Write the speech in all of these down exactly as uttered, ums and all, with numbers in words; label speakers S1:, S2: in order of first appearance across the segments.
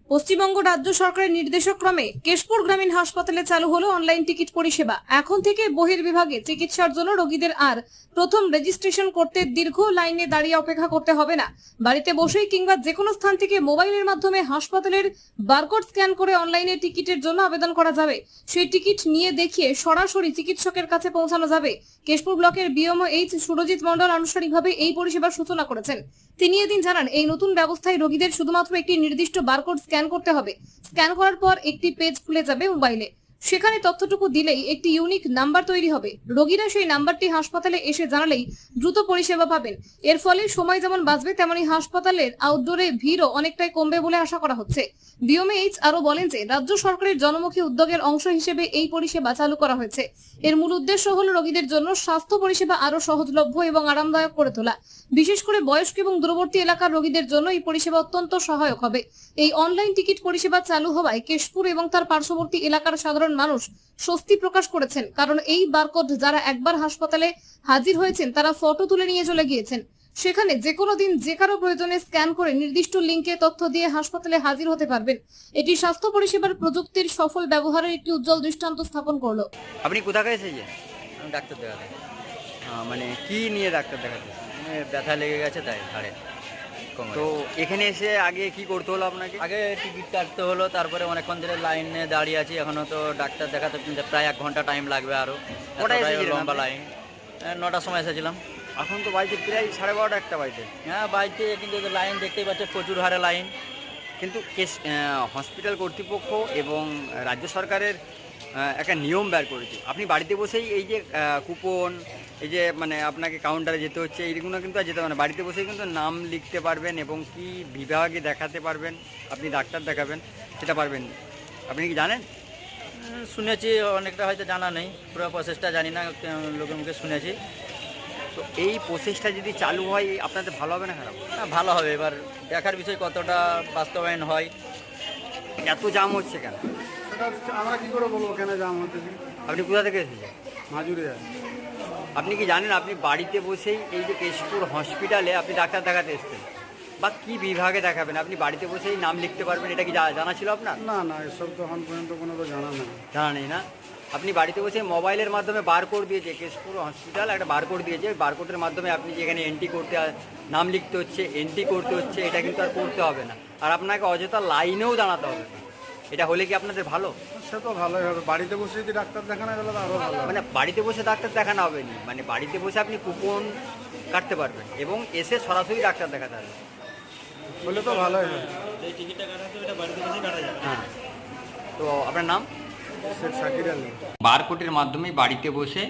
S1: পশ্চিমবঙ্গ রাজ্য সরকারের নির্দেশক্রমে কেশপুর গ্রামীণ হাসপাতালে চালু হলো অনলাইন টিকিট পরিষেবা। এখন থেকে বহির্বিভাগে চিকিৎসার জন্য রোগীদের আর প্রথম রেজিস্ট্রেশন করতে দীর্ঘ লাইনে দাঁড়িয়ে অপেক্ষা করতে হবে না। বাড়িতে বসেই কিংবা যে কোনো স্থান থেকে মোবাইলের মাধ্যমে হাসপাতালের বারকোড স্ক্যান করে অনলাইনে টিকিটের জন্য আবেদন করা যাবে। সেই টিকিট নিয়ে দেখিয়ে সরাসরি চিকিৎসকের কাছে পৌঁছানো যাবে। কেশপুর ব্লকের বিএমও এইচ সুরজিৎ মণ্ডল আনুষ্ঠানিকভাবে এই পরিষেবার সূচনা করেছেন। তিনি এদিন জানান, এই নতুন ব্যবস্থায় রোগীদের শুধুমাত্র একটি নির্দিষ্ট বারকোড স্ক্যান করতে হবে। স্ক্যান করার পর একটি পেজ খুলে যাবে মোবাইলে। সেখানে তথ্যটুকু দিলেই একটি ইউনিক নাম্বার তৈরি হবে। রোগীরা সেই নাম্বারটি হাসপাতালে এসে জানালেই দ্রুত পরিষেবা পাবেন। এর ফলে সময় যেমন বাঁচবে, তেমনি হাসপাতালের আউটডোরে ভিড়ও অনেকটাই কমবে বলে আশা করা হচ্ছে। বিএমএইচ আরো বলেন যে রাজ্য সরকারের জনমুখী উদ্যোগের অংশ হিসেবে এই পরিষেবা চালু করা হয়েছে। এর মূল উদ্দেশ্য হলো রোগীদের জন্য স্বাস্থ্য পরিষেবা আরো সহজলভ্য এবং আরামদায়ক করে তোলা। বিশেষ করে বয়স্ক এবং দূরবর্তী এলাকার রোগীদের জন্য এই পরিষেবা অত্যন্ত সহায়ক হবে। এই অনলাইন টিকিট পরিষেবা চালু হওয়ায় কেশপুর এবং তার পার্শ্ববর্তী এলাকার সাধারণ মানুষ স্বস্তি প্রকাশ করেছেন। কারণ এই বারকোড যারা একবার হাসপাতালে হাজির হয়েছেন তারা ফটো তুলে নিয়ে চলে গিয়েছেন। সেখানে যে কোনো দিন যে কারো প্রয়োজনে স্ক্যান করে নির্দিষ্ট লিঙ্কে তথ্য দিয়ে হাসপাতালে হাজির হতে পারবেন। এটি স্বাস্থ্য পরিষেবার প্রযুক্তির সফল ব্যবহারের একটি উজ্জ্বল দৃষ্টান্ত স্থাপন করলো।
S2: আপনি কোথা থেকে এসেছেন? আমি ডাক্তার দেখাতে। মানে কি নিয়ে ডাক্তার দেখাতে? মানে ব্যথা লেগে গেছে তাই ঘাড়ে। তো এখানে এসে আগে কি করতে হলো আপনাকে? আগে টিকিট কাটতে হলো, তারপরে অনেকক্ষণ ধরে লাইনে দাঁড়িয়ে আছি। এখনো তো ডাক্তার দেখাতে প্রায় এক ঘন্টা টাইম লাগবে। আরও লম্বা লাইন। নটার সময় এসেছিলাম। এখন তো বাড়িতে প্রায় সাড়ে বারোটা একটা বাড়িতে। হ্যাঁ, বাড়িতে কিন্তু লাইন দেখতেই পাচ্ছে, প্রচুর হারে লাইন। কিন্তু কেস হসপিটাল কর্তৃপক্ষ এবং রাজ্য সরকারের একটা নিয়ম বের করেছে। আপনি বাড়িতে বসেই এই যে কুপন, এই যে মানে আপনাকে কাউন্টারে যেতে হচ্ছে, এইগুলো কিন্তু আর যেতে হবে না। বাড়িতে বসেই কিন্তু নাম লিখতে পারবেন এবং কি বিভাগে দেখাতে পারবেন, আপনি ডাক্তার দেখাবেন সেটা পারবেন। আপনি কি জানেন? শুনেছি, অনেকটা হয়তো জানা নেই, পুরো প্রসেসটা জানি না, লোকের মুখে শুনেছি। তো এই প্রসেসটা যদি চালু হয় আপনাদের ভালো হবে না খারাপ? হ্যাঁ, ভালো হবে। এবার দেখার বিষয় কতটা বাস্তবায়ন হয়। এত জাম হচ্ছে কেন?
S3: আমরা কি করে বলবো কেন জাম হচ্ছে?
S2: আপনি কোথা থেকে এসেছেন?
S3: মাজুরি যায়।
S2: আপনি কি জানেন আপনি বাড়িতে বসেই এই যে কেশপুর হসপিটালে আপনি ডাক্তার দেখাতে এসেছেন বা কি বিভাগে দেখাবেন, আপনি বাড়িতে বসেই নাম লিখতে পারবেন? এটা কি জানা ছিল আপনার?
S3: না না, এসব তো এখন পর্যন্ত কোনো তো জানা নেই।
S2: জানা নেই না? আপনি বাড়িতে বসে মোবাইলের মাধ্যমে বারকোড দিয়েছে, কেশপুর হসপিটাল একটা বারকোড দিয়েছে। বারকোডের মাধ্যমে আপনি যেখানে এন্ট্রি করতে নাম লিখতে হচ্ছে, এন্ট্রি করতে হচ্ছে, এটা কিন্তু আর করতে হবে না। আর আপনাকে অযথা লাইনেও দাঁড়াতে হবে না। এটা হলে কি আপনাদের ভালো?
S3: সে তো ভালোই হবে। বাড়িতে বসে যদি ডাক্তার দেখানো গেলে তো আরও ভালো।
S2: মানে বাড়িতে বসে ডাক্তার দেখানো হবে না, মানে বাড়িতে বসে আপনি কুপন কাটতে পারবেন এবং এসে সরাসরি ডাক্তার দেখাতে হবে।
S3: বলে তো ভালোই হবে।
S4: এই টিকিটটা কাটাতে ওটা বাড়িতে বসে কাটা যাবে।
S2: হ্যাঁ। তো আপনার নাম?
S3: শেখ শাকির আলী।
S2: বারকোডের মাধ্যমে বাড়িতে বসে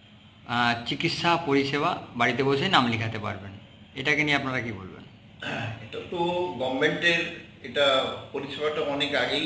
S2: চিকিৎসা পরিষেবা বাড়িতে বসে নাম লেখাতে পারবেন। এটাকে নিয়ে আপনারা কি বলবেন?
S5: এটা তো গভর্নমেন্টের এটা পরিষেবাটা অনেক আগেই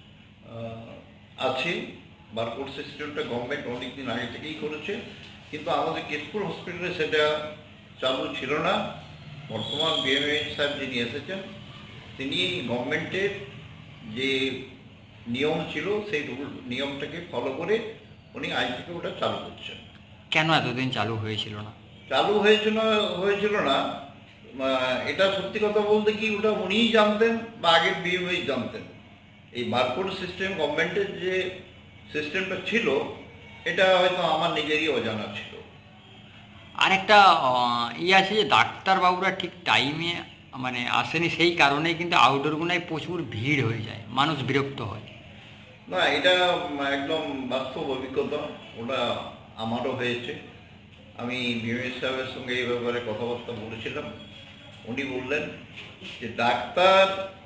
S5: আছে। বারকোড সিস্টেমটা গভর্নমেন্ট অনেক দিন আগে থেকেই করেছে, কিন্তু আমাদের কেশপুর হসপিটালে সেটা চালু ছিল না। বর্তমান বিএমএইচ সাহেব যিনি এসেছেন, তিনি গভর্নমেন্টের যে নিয়ম ছিল সেই রুল নিয়মটাকে ফলো করে উনি আজ থেকে ওটা চালু করছেন।
S2: কেন এতদিন চালু হয়েছিল না?
S5: চালু হয়েছিল হয়েছিল না এটা সত্যি কথা বলতে কি ওটা উনিই জানতেন বা আগের বিএমএইচ জানতেন। এই বারকোড সিস্টেম গভর্নমেন্টের যে সিস্টেমটা ছিল এটা হয়তো আমার নিজেরই অজানা ছিল।
S2: আর একটা ইয়ে আছে যে ডাক্তারবাবুরা ঠিক টাইমে মানে আসেনি, সেই কারণেই কিন্তু আউটডোরগুলোয় প্রচুর ভিড় হয়ে যায়, মানুষ বিরক্ত হয়।
S5: না, এটা একদম বাস্তব অভিজ্ঞতা, ওটা আমারও হয়েছে। আমি বিএমএইচ সাহেবের সঙ্গে এই ব্যাপারে কথাবার্তা বলেছিলাম। উনি বললেন যে ডাক্তার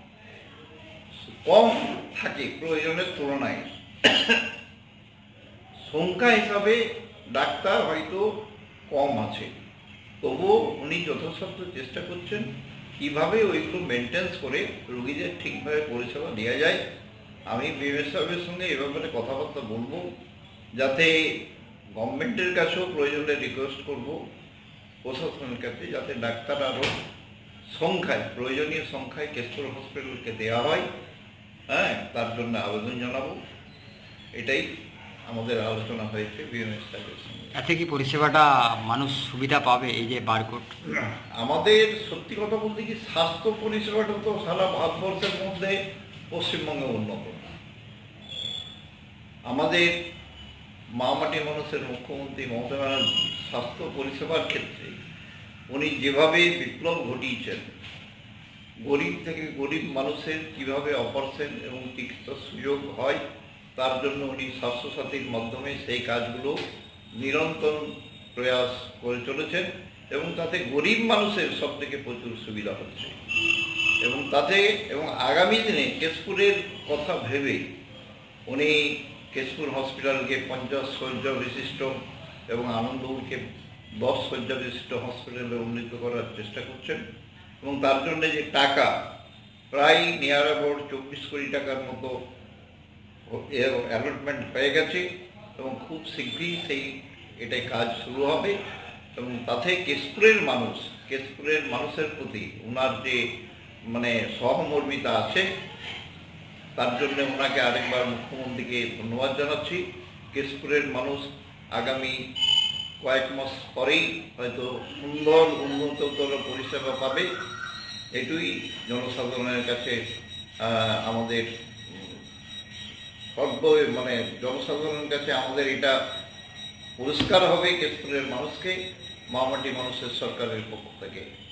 S5: কম থাকে প্রয়োজনের তুলনায়, সংখ্যা হিসাবে ডাক্তার হয়তো কম আছে, তবুও উনি যথাসাধ্য চেষ্টা করছেন কীভাবে ওইগুলো মেনটেন্স করে রোগীদের ঠিকভাবে পরিষেবা দেওয়া যায়। আমি বিএমএইচ সাহেবের সঙ্গে এ ব্যাপারে কথাবার্তা বলবো, যাতে গভর্নমেন্টের কাছেও প্রয়োজনে রিকোয়েস্ট করব প্রশাসনের কাছে, যাতে ডাক্তার আরও সংখ্যায় প্রয়োজনীয় সংখ্যায় কেশপুর হসপিটালকে দেওয়া হয়। হ্যাঁ, তার জন্য আবেদন জানাবো। এটাই আমাদের আলোচনা হয়েছে বিএমএইচ সাহেবের সঙ্গে।
S2: এতে কি পরিষেবাটা মানুষ সুবিধা পাবে এই যে বারকোড?
S5: আমাদের সত্যি কথা বলতে কি স্বাস্থ্য পরিষেবাটা তো সারা ভারতবর্ষের মধ্যে পশ্চিমবঙ্গে উন্নত। আমাদের মামাটি মানুষের মুখ্যমন্ত্রী মমতা ব্যানার্জি স্বাস্থ্য পরিষেবার ক্ষেত্রে উনি যেভাবে বিপ্লব ঘটিয়েছেন, গরিব থেকে গরিব মানুষের কিভাবে অপারেশন এবং চিকিৎসার সুযোগ হয় তার জন্য উনি স্বাস্থ্যসাথীর মাধ্যমে সেই কাজগুলো নিরন্তর প্রয়াস করে চলেছেন এবং তাতে গরিব মানুষের সব থেকে প্রচুর সুবিধা হচ্ছে এবং তাতে এবং আগামী দিনে কেশপুরের কথা ভেবে উনি কেশপুর হসপিটালকে পঞ্চাশ শয্যা বিশিষ্ট এবং আনন্দপুরকে দশ শয্যা বিশিষ্ট হসপিটালে উন্নীত করার চেষ্টা করছেন এবং তার জন্য যে টাকা প্রায় নিয়ার অ্যাবাউট চব্বিশ কোটি টাকার মতো অ্যালটমেন্ট হয়ে গেছে এবং খুব শীঘ্রই সেই এটাই কাজ শুরু হবে এবং তাতে কেশপুরের মানুষ কেশপুরের মানুষের প্রতি ওনার যে মানে সহমর্মিতা আছে তার জন্য ওনাকে আরেকবার মুখ্যমন্ত্রীকে ধন্যবাদ জানাচ্ছি। কেশপুরের মানুষ আগামী কয়েক মাস পরেই হয়তো সুন্দর উন্নততর পরিষেবা পাবে, এটুই জনসাধারণের কাছে আমাদের সর্ব মানে জনসাধারণের কাছে আমাদের এটা পরিষ্কার হবে কেশপুরের মানুষকে মামাটি মানুষের সরকারের পক্ষ থেকে।